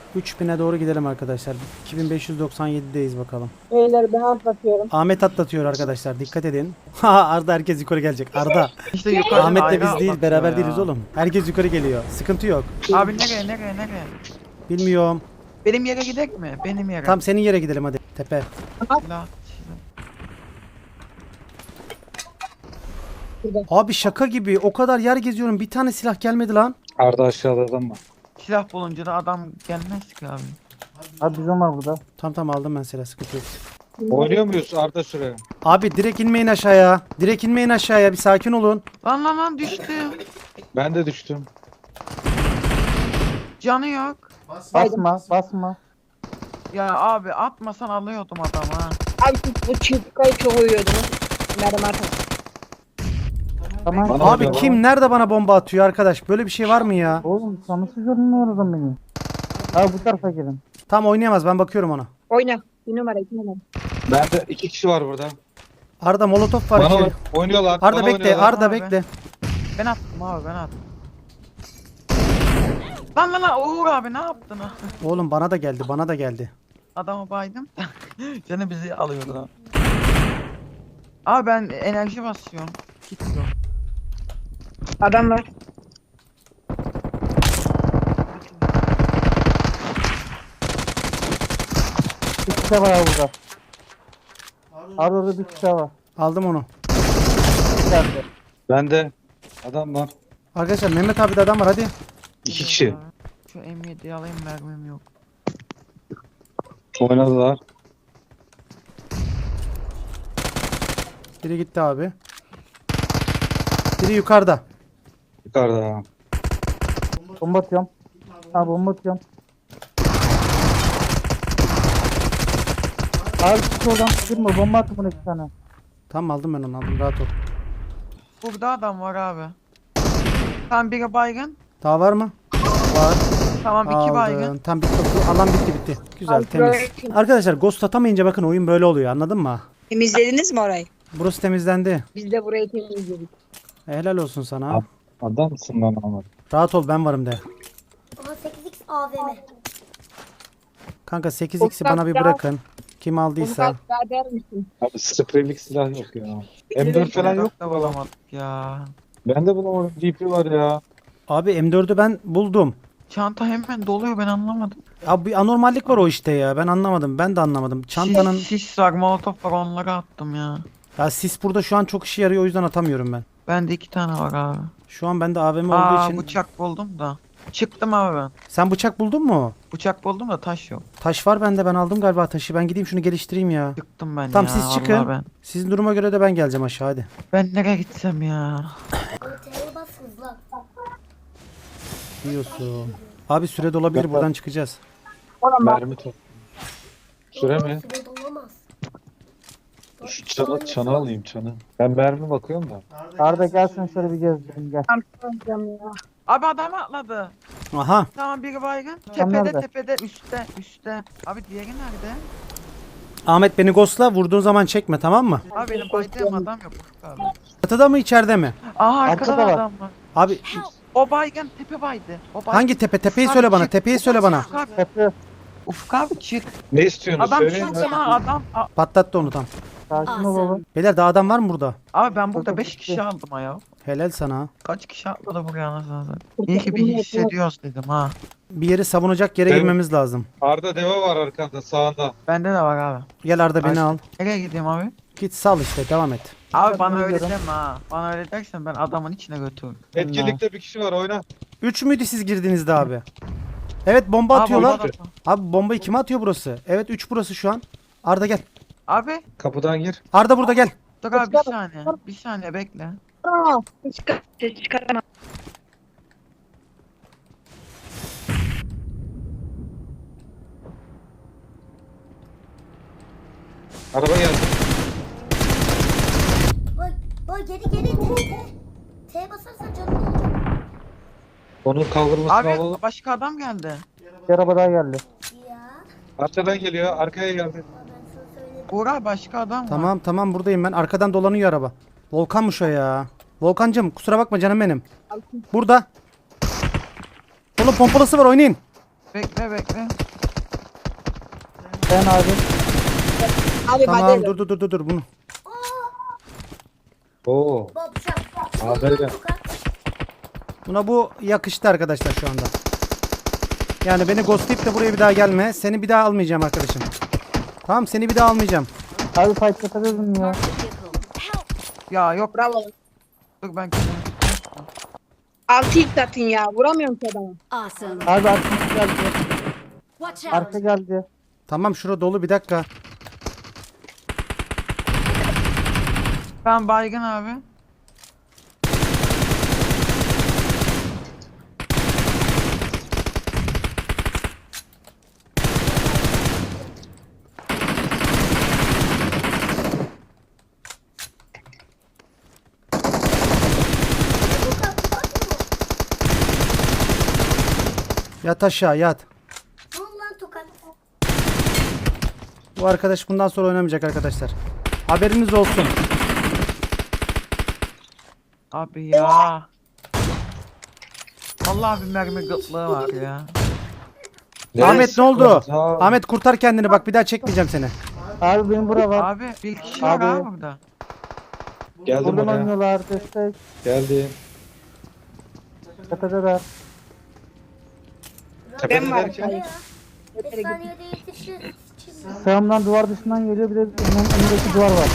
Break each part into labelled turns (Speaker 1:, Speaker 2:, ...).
Speaker 1: 3000'e doğru gidelim arkadaşlar. 2597'deyiz bakalım.
Speaker 2: Beyler ben atlatıyorum.
Speaker 1: Ahmet atlatıyor arkadaşlar. Dikkat edin. Arda herkes yukarı gelecek. Arda.
Speaker 3: İşte yukarı
Speaker 1: Ahmet'le
Speaker 3: ayrı
Speaker 1: biz değil,
Speaker 3: atlatıyor
Speaker 1: beraber
Speaker 3: ya.
Speaker 1: değiliz oğlum. Herkes yukarı geliyor. Sıkıntı yok.
Speaker 3: Abi nereye?
Speaker 1: Bilmiyorum.
Speaker 3: Benim yere gidek mi? Benim yere.
Speaker 1: Tam senin yere gidelim hadi. Tepe.
Speaker 3: Silah.
Speaker 1: Abi şaka gibi. O kadar yer geziyorum. Bir tane silah gelmedi lan.
Speaker 4: Arda aşağıda adam var.
Speaker 3: Silah bulunca da adam gelmez ki abi.
Speaker 5: Abi bizim var burada.
Speaker 1: Tamam aldım ben silah. Sıkıntı yok.
Speaker 4: Oynuyor muyuz Arda şuraya?
Speaker 1: Abi direkt inmeyin aşağıya. Direkt inmeyin aşağıya. Bir sakin olun.
Speaker 3: Lan düştü.
Speaker 4: Ben de düştüm.
Speaker 3: Canı yok.
Speaker 5: Basma.
Speaker 3: Ya abi atmasan alıyordum adamı ha.
Speaker 2: Abi siz bu çiftlikayı çok uyuyordunuz. Merhaba arkadaşlar.
Speaker 5: Tamam.
Speaker 4: Bana
Speaker 1: Abi
Speaker 4: öyle
Speaker 1: kim nerede bana bomba atıyor arkadaş? Böyle bir şey var mı ya?
Speaker 5: Oğlum sanısı görünmüyoruz beni. Abi bu tarafa gelin.
Speaker 1: Tam oynayamaz. Ben bakıyorum ona.
Speaker 2: Oyna. Bir numara 2 numara.
Speaker 4: Bende 2 kişi var burada.
Speaker 1: Arda molotof var.
Speaker 4: Bana
Speaker 1: içeri.
Speaker 4: oynuyorlar.
Speaker 1: Arda
Speaker 4: bana
Speaker 1: bekle.
Speaker 4: oynuyorlar.
Speaker 1: Arda
Speaker 3: Abi.
Speaker 1: bekle.
Speaker 3: Ben attım abi ben attım. Lan Uğur abi ne yaptın?
Speaker 1: Oğlum bana da geldi. Bana da geldi.
Speaker 3: Adamı baydım. Seni bizi alıyordu. Abi ben enerji basıyorum. Git yok.
Speaker 2: Adam var.
Speaker 5: Bir kişi var abi burada. Abi orada bir kişi var.
Speaker 1: Aldım onu.
Speaker 5: Geldi.
Speaker 4: Bende adam var.
Speaker 1: Arkadaşlar Mehmet abi de adam var hadi.
Speaker 4: 2 kişi.
Speaker 3: Şu M7'yi alayım mermim yok.
Speaker 4: Oynadılar.
Speaker 1: Biri gitti abi. Biri yukarıda.
Speaker 4: Yukarıda.
Speaker 5: Bomba atıyorum. Abi bomba atıyorum. Abi çık oradan çıkırma. Bomba attı buna 2 tane.
Speaker 1: Tamam aldım ben onu aldım rahat ol.
Speaker 3: Burada adam var abi. Tam biri baygın.
Speaker 1: Daha var mı? Var.
Speaker 3: Tamam iki baygın.
Speaker 1: Aldım. Tam bitti. Alan bitti. Güzel
Speaker 2: Abi,
Speaker 1: temiz.
Speaker 2: böyle-
Speaker 1: Arkadaşlar ghost atamayınca bakın oyun böyle oluyor anladın mı?
Speaker 2: Temizlediniz mi orayı?
Speaker 1: Burası temizlendi.
Speaker 2: Biz de burayı temizledik.
Speaker 1: Helal olsun sana.
Speaker 4: Abi. Adam mısın lan Ahmet?
Speaker 1: Rahat ol ben varım de.
Speaker 6: Aha 8x AVM.
Speaker 1: Kanka 8x'i bana bir bırakın. Kim
Speaker 2: Onu
Speaker 1: aldıysa.
Speaker 2: daha der misin?
Speaker 4: Abi spreylik silah yok ya. M4 falan yok
Speaker 3: da
Speaker 4: mu?
Speaker 3: bulamadık ya.
Speaker 4: Bende bulamadım. DP var ya.
Speaker 1: Abi M4'ü ben buldum.
Speaker 3: Çanta hemen doluyor ben anlamadım.
Speaker 1: Abi bir anormallik var o işte ya. Ben anlamadım. Ben de anlamadım. Çantanın
Speaker 3: Sis var molotof var onları attım ya.
Speaker 1: ya sis burada şu an çok işe yarıyor o yüzden atamıyorum ben.
Speaker 3: Bende 2 tane var abi.
Speaker 1: Şu an bende AVM olduğu
Speaker 3: Aa
Speaker 1: için.
Speaker 3: bıçak buldum da. Çıktım abi ben.
Speaker 1: Sen bıçak buldun mu?
Speaker 3: Bıçak buldum da taş yok.
Speaker 1: Taş var bende ben aldım galiba taşı. Ben gideyim şunu geliştireyim ya.
Speaker 3: Çıktım ben
Speaker 1: Tamam
Speaker 3: ya.
Speaker 1: siz
Speaker 3: vallahi
Speaker 1: çıkın.
Speaker 3: Ben.
Speaker 1: Sizin duruma göre de ben geleceğim aşağı hadi.
Speaker 3: Ben nereye gitsem ya?
Speaker 6: T'ye bas hızlan.
Speaker 1: Diyorsun. Abi süre dolabilir buradan çıkacağız.
Speaker 4: Mermi top. Süre mi?
Speaker 6: Süre dolamaz.
Speaker 4: Şu çanı alayım çanı. Ben mermi bakıyorum da.
Speaker 5: Arda gelsin şöyle bir gezdirelim gel.
Speaker 2: Tamam ya.
Speaker 3: Abi adam atladı.
Speaker 1: Aha.
Speaker 3: Tamam biri baygın.
Speaker 5: Tam
Speaker 3: Tepede
Speaker 5: nerede?
Speaker 3: tepede üstte. Abi diğeri nerede?
Speaker 1: Ahmet beni ghostla vurduğun zaman çekme tamam mı?
Speaker 3: Abi benim baydığım adam yok abi.
Speaker 1: Çatıda mı içeride mi?
Speaker 3: Aha arkada
Speaker 5: Arkada var.
Speaker 3: adam var.
Speaker 1: Abi
Speaker 3: O baygın tepe baydı. O baygın.
Speaker 1: hangi tepe? Tepeyi
Speaker 3: Ufuk
Speaker 1: söyle
Speaker 3: abi
Speaker 1: bana.
Speaker 3: çık.
Speaker 1: Tepeyi söyle bana.
Speaker 3: Ufuk abi,
Speaker 5: Tepe.
Speaker 3: Ufuk abi çık.
Speaker 4: Ne istiyorsunuz?
Speaker 3: Adam
Speaker 4: Söyleyin.
Speaker 3: şu sana adam.
Speaker 1: Patlattı onu tam.
Speaker 5: Sakin ol baba.
Speaker 1: Beyler daha adam var mı burada?
Speaker 3: Abi ben burada
Speaker 5: Çok
Speaker 3: 5 kişi aldım ya.
Speaker 1: Helal sana.
Speaker 3: Kaç kişi atladı buraya anasını satayım. İyi ki bir hissediyoruz dedim ha.
Speaker 1: Bir yeri savunacak yere
Speaker 4: Evet.
Speaker 1: girmemiz lazım.
Speaker 4: Arda deve var arkanda sağında.
Speaker 3: Bende de var abi.
Speaker 1: Gel Arda beni al.
Speaker 3: Nereye gideyim abi?
Speaker 1: Git sal işte devam et.
Speaker 3: Abi bana öyle
Speaker 5: gidiyorum.
Speaker 3: deme ha. Bana öyle dersen ben adamın içine götürürüm.
Speaker 4: Etkinlikte bir kişi var oyna.
Speaker 1: 3 müydü siz girdiğinizde abi? Evet bomba
Speaker 3: Abi,
Speaker 1: atıyorlar.
Speaker 3: orada-
Speaker 1: Abi bombayı kime atıyor burası? Evet 3 burası şu an. Arda gel.
Speaker 3: Abi
Speaker 4: Kapıdan gir.
Speaker 1: Arda burada gel.
Speaker 3: dur abi bir saniye. Bir saniye bekle.
Speaker 2: Aa, çıkarma.
Speaker 4: Araba geldi.
Speaker 6: Bak geri T. T'ye basarsan canın olacak.
Speaker 4: Onun kaldırmasını
Speaker 3: Abi
Speaker 4: alalım.
Speaker 3: başka adam geldi.
Speaker 5: Bir araba daha geldi.
Speaker 6: Ya.
Speaker 4: Arkadan geliyor. Arkaya geldi.
Speaker 6: Ben sana söyledim.
Speaker 3: Uğur abi başka adam var.
Speaker 1: Tamam tamam buradayım ben. Arkadan dolanıyor araba. Volkanmış o ya. Volkancım kusura bakma canım benim. Burada. Oğlum pompalısı var oynayın.
Speaker 3: Bekle bekle.
Speaker 5: Ben abi.
Speaker 2: Abi
Speaker 1: Tamam
Speaker 2: hadi.
Speaker 1: dur bunu.
Speaker 4: Oo.
Speaker 6: Bob şap.
Speaker 4: Aferin.
Speaker 1: Buna bu yakıştı arkadaşlar şu anda. Yani beni ghostlayıp da buraya bir daha gelme. Seni bir daha almayacağım arkadaşım. Tamam seni bir daha almayacağım.
Speaker 5: Abi fight yapabilirim ya.
Speaker 3: Ya yok.
Speaker 2: Bravo.
Speaker 3: Dur ben kendimi.
Speaker 2: 6 ilk atın ya. Vuramıyorum ki adamı.
Speaker 6: Awesome.
Speaker 5: Abi arka geldi.
Speaker 6: Watch out.
Speaker 5: Arka geldi.
Speaker 1: Tamam şura dolu bir dakika.
Speaker 3: Ben baygın abi.
Speaker 1: Yat aşağı yat.
Speaker 6: Ne oldu lan tokat?
Speaker 1: Bu arkadaş bundan sonra oynamayacak arkadaşlar. Haberiniz olsun.
Speaker 3: Abi ya. Allah bir mermi gıtlığı var ya.
Speaker 1: Ahmet ne oldu?
Speaker 4: sıkıyorsun abi?
Speaker 1: Ahmet kurtar kendini bak bir daha çekmeyeceğim seni.
Speaker 5: Abi benim bura var.
Speaker 3: Abi bir kişi var
Speaker 5: Abi.
Speaker 3: abi burada.
Speaker 4: Geldim
Speaker 5: Buradan
Speaker 4: oraya.
Speaker 5: oynuyorlar. Destek.
Speaker 4: Geldim.
Speaker 5: Tepedeler.
Speaker 4: Tepede
Speaker 2: Ben varım.
Speaker 4: derken
Speaker 6: 5 saniyede yetişir.
Speaker 5: Sağımdan duvar dışından geliyor. Bir de önündeki duvar var.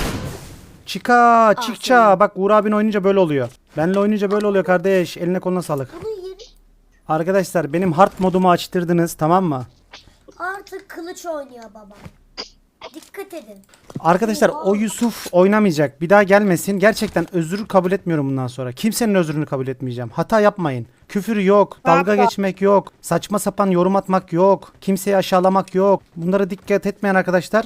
Speaker 1: Çıkça. Bak Uğur abin oynayınca böyle oluyor. Benle oynayınca böyle oluyor kardeş. Eline koluna sağlık.
Speaker 6: Bunun yeri
Speaker 1: Arkadaşlar benim hard modumu açtırdınız tamam mı?
Speaker 6: artık kılıç oynuyor baba. Dikkat edin.
Speaker 1: Arkadaşlar o Yusuf oynamayacak. Bir daha gelmesin. Gerçekten özür kabul etmiyorum bundan sonra. Kimsenin özrünü kabul etmeyeceğim. Hata yapmayın. Küfür yok. Dalga geçmek yok. Saçma sapan yorum atmak yok. Kimseyi aşağılamak yok. Bunlara dikkat etmeyen arkadaşlar.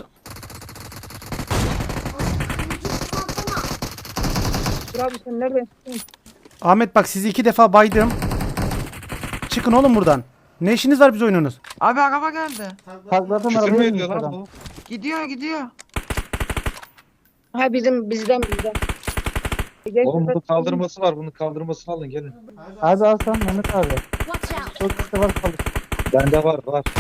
Speaker 2: Bravo sen neredesin?
Speaker 1: Ahmet bak sizi 2 defa baydım. Çıkın oğlum buradan. Ne işiniz var biz oynuyorsunuz?
Speaker 3: Abi araba geldi.
Speaker 5: Takladım
Speaker 4: küfür mü
Speaker 5: arabaya
Speaker 4: ediyor
Speaker 5: inmiş
Speaker 4: lan
Speaker 5: adam.
Speaker 4: bu?
Speaker 3: Gidiyor.
Speaker 2: Ha bizden. Gel,
Speaker 4: Oğlum bunun kaldırması var. Bunun kaldırmasını alın gelin.
Speaker 5: Abi al sen Mehmet abi.
Speaker 6: Watch out.
Speaker 5: Çok kişi var kalır.
Speaker 4: Bende var.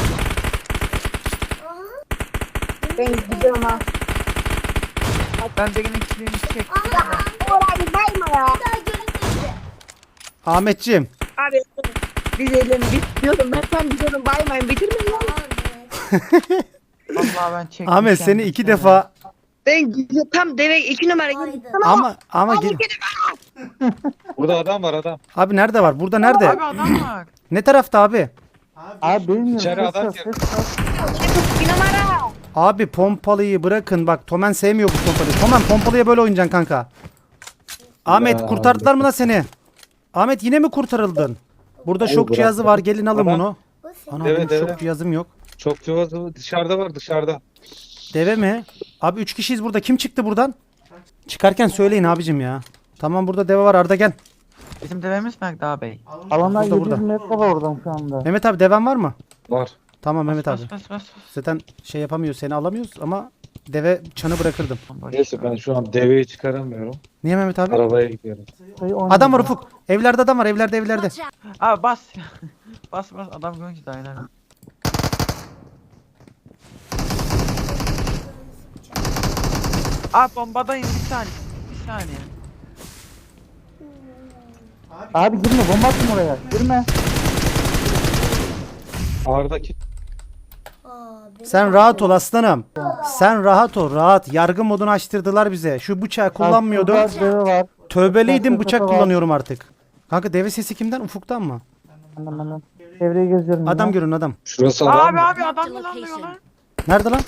Speaker 2: Ben gidiyorum ha.
Speaker 3: Ben birinin kilini çektim.
Speaker 2: Oğlum abi bayma ya.
Speaker 6: Daha görünmedi.
Speaker 1: Ahmetciğim.
Speaker 2: Abi biz elim bitiyordum. Ben tam gidiyorum baymayın. Bitirmeyin lan.
Speaker 3: Vallahi ben çektim.
Speaker 1: Ahmet seni
Speaker 3: kendimi
Speaker 1: 2
Speaker 3: şöyle.
Speaker 1: defa
Speaker 2: Ben gidiyorum. Tam deve 2 numara gidiyorum.
Speaker 6: Haydi.
Speaker 1: ama
Speaker 4: Burada adam var adam.
Speaker 1: abi nerede var? Burada nerede?
Speaker 3: Abi adam var.
Speaker 1: Ne tarafta abi?
Speaker 5: Abi bilmiyorum.
Speaker 4: İçeri
Speaker 5: Ses
Speaker 4: adam
Speaker 5: yok,
Speaker 4: girdi.
Speaker 5: ses yok.
Speaker 2: 2 numara.
Speaker 1: Abi pompalıyı bırakın bak Tomen sevmiyor bu pompalıyı. Tomen pompalıya böyle oynayacaksın kanka. Ahmet
Speaker 4: Ya,
Speaker 1: kurtardılar mı da seni? Ahmet yine mi kurtarıldın? Burada şok
Speaker 4: bırak,
Speaker 1: cihazı
Speaker 4: bırak.
Speaker 1: var gelin alın
Speaker 4: Adam-
Speaker 1: bunu.
Speaker 6: Bu senin.
Speaker 1: Ana
Speaker 4: Evet,
Speaker 1: benim şok
Speaker 4: evet.
Speaker 1: cihazım yok.
Speaker 4: Çok cıvazı dışarıda var dışarıda.
Speaker 1: Deve mi? Abi 3 kişiyiz burada. Kim çıktı buradan? Çıkarken söyleyin abicim ya. Tamam burada deve var Arda gel.
Speaker 3: Bizim devemiz nerede abi?
Speaker 5: Alanlar
Speaker 1: Burada,
Speaker 5: 700 metre var oradan şu anda.
Speaker 1: Mehmet abi deven var mı?
Speaker 4: Var.
Speaker 1: Tamam Mehmet abi.
Speaker 3: Bas.
Speaker 1: Zaten şey yapamıyoruz seni alamıyoruz ama deve çanı bırakırdım.
Speaker 3: Boş
Speaker 4: Neyse ben şu an deveyi çıkaramıyorum.
Speaker 1: Niye Mehmet abi?
Speaker 4: Arabaya gidiyorum.
Speaker 5: Sayı 10
Speaker 1: Adam var Ufuk. Evlerde adam var evlerde.
Speaker 6: Watch out.
Speaker 3: Abi bas. bas adam görünce de aynen. Abi bombadayım bir saniye.
Speaker 5: Abi girme bomba attım oraya. Girme.
Speaker 4: Ağırdaki
Speaker 6: Abi.
Speaker 1: Sen rahat ol aslanım. Sen rahat ol rahat. Yargı modunu açtırdılar bize. Şu bıçağı kullanmıyordum.
Speaker 5: Abi, şurada deve var.
Speaker 1: Tövbeliydim
Speaker 5: Bıçak
Speaker 1: bıçak
Speaker 5: var.
Speaker 1: kullanıyorum artık. Kanka deve sesi kimden? Ufuktan mı?
Speaker 5: Anam. Çevreyi geziyorum.
Speaker 1: Adam
Speaker 5: yine.
Speaker 1: görün adam.
Speaker 4: şurası adam
Speaker 3: Abi
Speaker 4: mı?
Speaker 3: adam mı lan diyor lan?
Speaker 1: Nerede lan?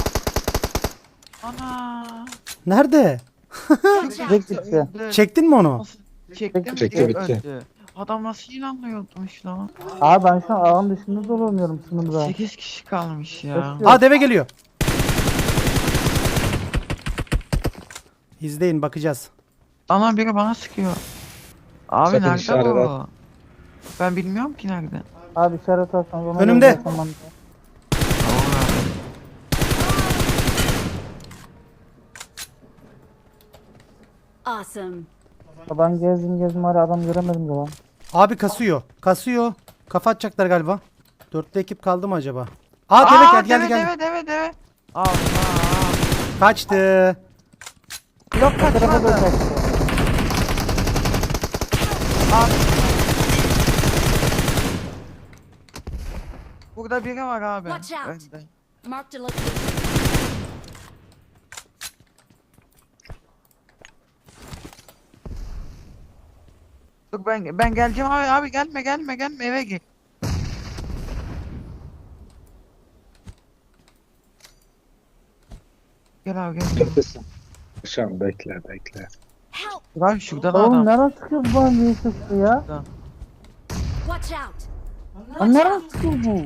Speaker 3: Ana.
Speaker 1: Nerede?
Speaker 5: Direkt gitti.
Speaker 1: Çektin mi onu?
Speaker 3: Nasıl çektim?
Speaker 4: Çekti,
Speaker 3: direkt
Speaker 4: bitti.
Speaker 3: öldü. Adam nasıl inanmıyormuş lan?
Speaker 5: Abi ben şu an alan dışında dolanıyorum sınırda.
Speaker 3: 8 kişi kalmış ya.
Speaker 1: Aa deve geliyor. İzleyin bakacağız.
Speaker 3: Ana biri bana sıkıyor. Abi
Speaker 4: Sakın
Speaker 3: nerede
Speaker 4: işaret
Speaker 3: bu?
Speaker 4: at.
Speaker 3: Ben bilmiyorum ki nerede.
Speaker 5: Abi işaret atsanız ona
Speaker 1: Önümde.
Speaker 5: göre yapamam.
Speaker 6: Awesome.
Speaker 5: Ben gezdim hala adam göremedim de lan.
Speaker 1: Abi kasıyor. Kasıyor. Kafa atacaklar galiba. Dörtlü ekip kaldı mı acaba? Aa deve geldi.
Speaker 3: Deve. Allah.
Speaker 1: Kaçtı.
Speaker 3: Yok
Speaker 5: Bu tarafa da
Speaker 3: kaçmadı.
Speaker 5: kaçtı.
Speaker 3: Abi. Burada biri var abi.
Speaker 6: Watch out.
Speaker 3: Önde.
Speaker 6: Marked a location.
Speaker 3: Dur ben geleceğim abi gelme eve gir. Gel abi gel.
Speaker 4: Neredesin? Şam bekle.
Speaker 6: Help!
Speaker 3: Dur abi şurada da
Speaker 5: Oğlum
Speaker 3: adam.
Speaker 5: nereden çıkıyor bu bana VSS'li ya?
Speaker 6: Watch out!
Speaker 5: Lan nereden çıkıyor bu?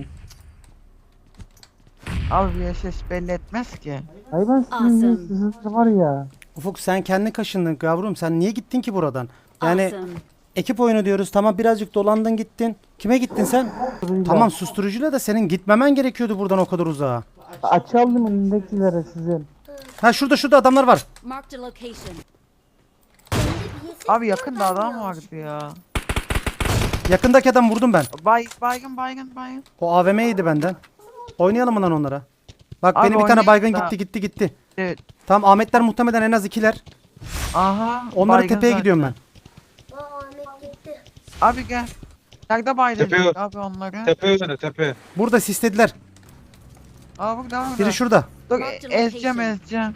Speaker 3: Abi VSS belli etmez ki.
Speaker 5: Ay ben sizin
Speaker 6: Awesome.
Speaker 5: VSS'li var ya.
Speaker 1: Ufuk sen kendi kaşındın yavrum. Sen niye gittin ki buradan? Yani
Speaker 6: Awesome.
Speaker 1: ekip oyunu diyoruz. Tamam birazcık dolandın gittin. Kime gittin sen? Tamam susturucuyla da senin gitmemen gerekiyordu buradan o kadar uzağa.
Speaker 5: Açalım önündekilere sizin.
Speaker 1: Ha şurada adamlar var.
Speaker 6: Marked a location.
Speaker 3: Abi yakında adam vardı ya.
Speaker 1: Yakındaki adam vurdum ben.
Speaker 3: Baygın.
Speaker 1: O AVM'ydi benden. Oynayalım mı lan onlara? Bak
Speaker 3: Abi
Speaker 1: benim bir tane baygın
Speaker 3: oynayalım da.
Speaker 1: gitti.
Speaker 3: Evet.
Speaker 1: Tamam Ahmetler muhtemelen en az 2'ler.
Speaker 3: Aha.
Speaker 1: Onları
Speaker 3: baygın
Speaker 1: tepeye
Speaker 3: zaten.
Speaker 1: gidiyorum ben.
Speaker 6: Ahmet gitti.
Speaker 3: Abi gel. Nerede baydın
Speaker 4: Tepe yok.
Speaker 3: abi onları?
Speaker 4: Tepe.
Speaker 1: Burada sislediler.
Speaker 3: Aa burada.
Speaker 1: Biri şurada.
Speaker 3: Dur
Speaker 6: Marked
Speaker 3: ezeceğim.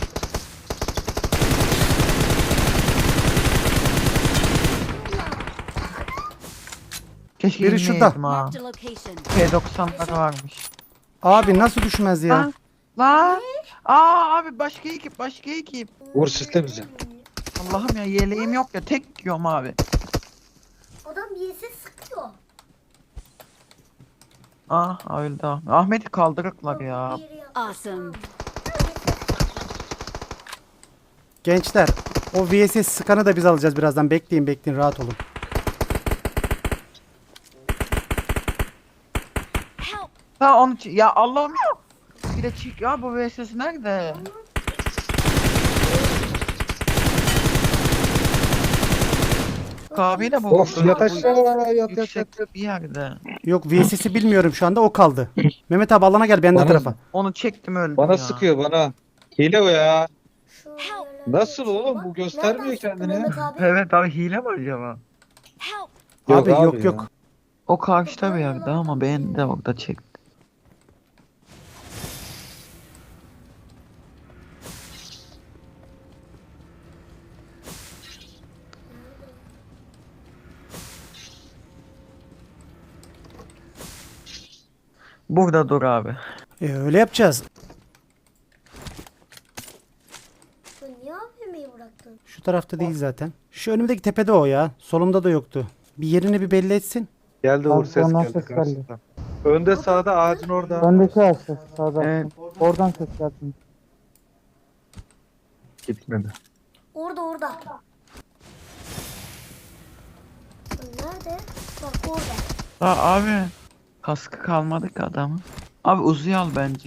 Speaker 3: Keşke
Speaker 1: Biri şurada.
Speaker 3: inmeyeydim ha.
Speaker 6: Marked a location.
Speaker 3: P90'lar varmış.
Speaker 1: Abi nasıl düşmez ya?
Speaker 3: Lan. Aa abi başka ekip.
Speaker 4: Vur sistemize.
Speaker 3: Allah'ım ya yeleğim yok ya tek yiyorum abi.
Speaker 6: Adam birisi sıkıyor.
Speaker 3: Ah öldü abi. Ahmet'i kaldırıklar ya.
Speaker 6: Awesome.
Speaker 1: Gençler o VSS skanı da biz alacağız birazdan. Bekleyin rahat olun.
Speaker 6: Help!
Speaker 3: Ha onu ya Allah'ım ya. Bir de çık ya bu VSS nerede? Kahveyle bu.
Speaker 4: Of yat aşağı yat.
Speaker 3: Yüksek bir yerde.
Speaker 1: Yok VSS'i bilmiyorum şu anda o kaldı. Mehmet abi alana gel ben de
Speaker 4: Bana-
Speaker 1: tarafa.
Speaker 3: Onu çektim öldüm
Speaker 4: Bana
Speaker 3: ya.
Speaker 4: sıkıyor bana. Hile o ya.
Speaker 6: Help!
Speaker 4: Nasıl oğlum bu göstermiyor kendini.
Speaker 6: Mehmet abi.
Speaker 3: Evet abi hile mi acaba?
Speaker 6: Help!
Speaker 1: Abi
Speaker 4: ya.
Speaker 1: yok.
Speaker 3: O karşıda bir yerde ama ben de orada çektim. Burada dur abi.
Speaker 1: Öyle yapacağız.
Speaker 6: Sen niye AVM'yi bıraktın?
Speaker 1: Şu tarafta değil zaten. Şu önümdeki tepede o ya. Solumda da yoktu. Bir yerini bir belli etsin.
Speaker 4: Geldi
Speaker 5: Bak,
Speaker 4: vur ses
Speaker 5: ondan
Speaker 4: geldi
Speaker 5: ses geldi.
Speaker 4: karşıdan. Önde sağda ağacın orada.
Speaker 5: Öndeki ağaçta sağda.
Speaker 3: Evet.
Speaker 5: Oradan ses geldi.
Speaker 4: Gitmedi.
Speaker 6: Orada. Nerede? Bak orada.
Speaker 3: Aa, abi. Kaskı kalmadı ki adamın. Abi uzuyu al bence.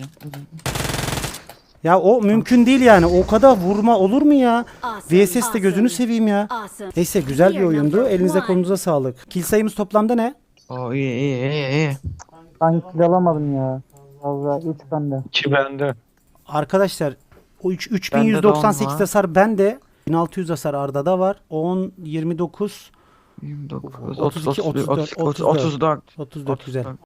Speaker 1: Ya o mümkün değil yani. O kadar vurma olur mu ya?
Speaker 6: Awesome.
Speaker 1: VSS de gözünü seveyim ya.
Speaker 6: Awesome.
Speaker 1: Neyse güzel bir oyundu. Elinize kolunuza sağlık. Kill sayımız toplamda ne?
Speaker 3: Oo iyi.
Speaker 5: Ben kill alamadım ya. Vallahi 3 bende.
Speaker 4: 2 bende.
Speaker 1: Arkadaşlar o
Speaker 3: Bende de
Speaker 1: 3198
Speaker 3: on var.
Speaker 1: hasar bende. 1600 hasar Arda'da var. 10, 29,
Speaker 3: 29,
Speaker 1: 32,
Speaker 3: 30,
Speaker 1: 34,
Speaker 3: 34.
Speaker 1: 34 güzel.